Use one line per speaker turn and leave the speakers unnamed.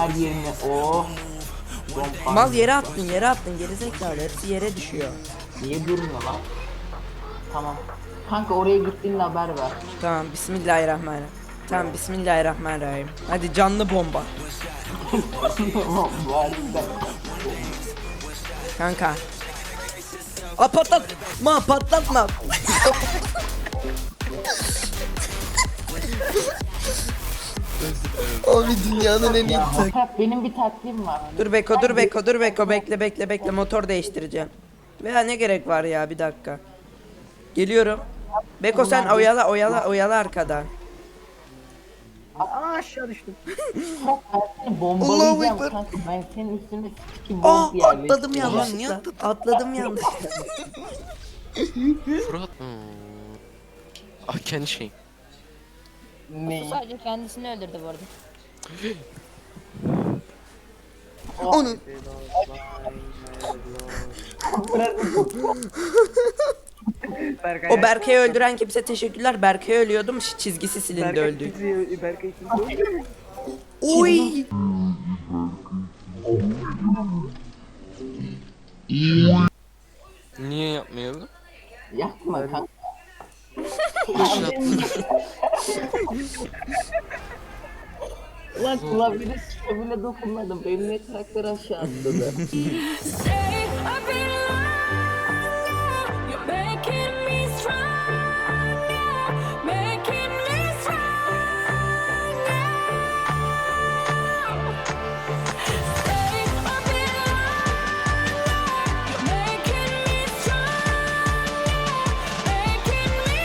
her yerine. Oh.
Mal yere attın gerizekalı, hepsi yere düşüyor.
Niye durmuyor lan? Tamam. Kanka oraya gittiğinde haber ver.
Tamam, bismillahirrahmanirrahim. Tamam, bismillahirrahmanirrahim. Hadi canlı bomba. Kanka. Patlatma. Abi dünyanın en iyi
Bak benim bir taktiğim var.
Dur Beko, bekle, motor değiştireceğim. Veya ne gerek var ya, bir dakika. Geliyorum. Beko sen oyala arkada.
Aşağı düştüm.
Bak ben seni bombalayacağım kanka. Ben senin üstüne sikim
Aa,
bomb
atladım
yerleştireceğim.
yanlışlıkla. Atladım yanlışlıkla.
Fırat. Ah kendi şeyim.
Ne?
Sadece kendisini öldürdü bu arada.
Onu.
Berkay,
O Berke'yi öldüren kimse teşekkürler. Berke'yi ölüyordum, çizgisi silindi, öldü.
Berkay kimse.
Oy.
Niye yapmayalım?
Yapma kanka. Lan klavyenin bile dokunmadım. Benim ne karakter aşağı atladı.
Say I've been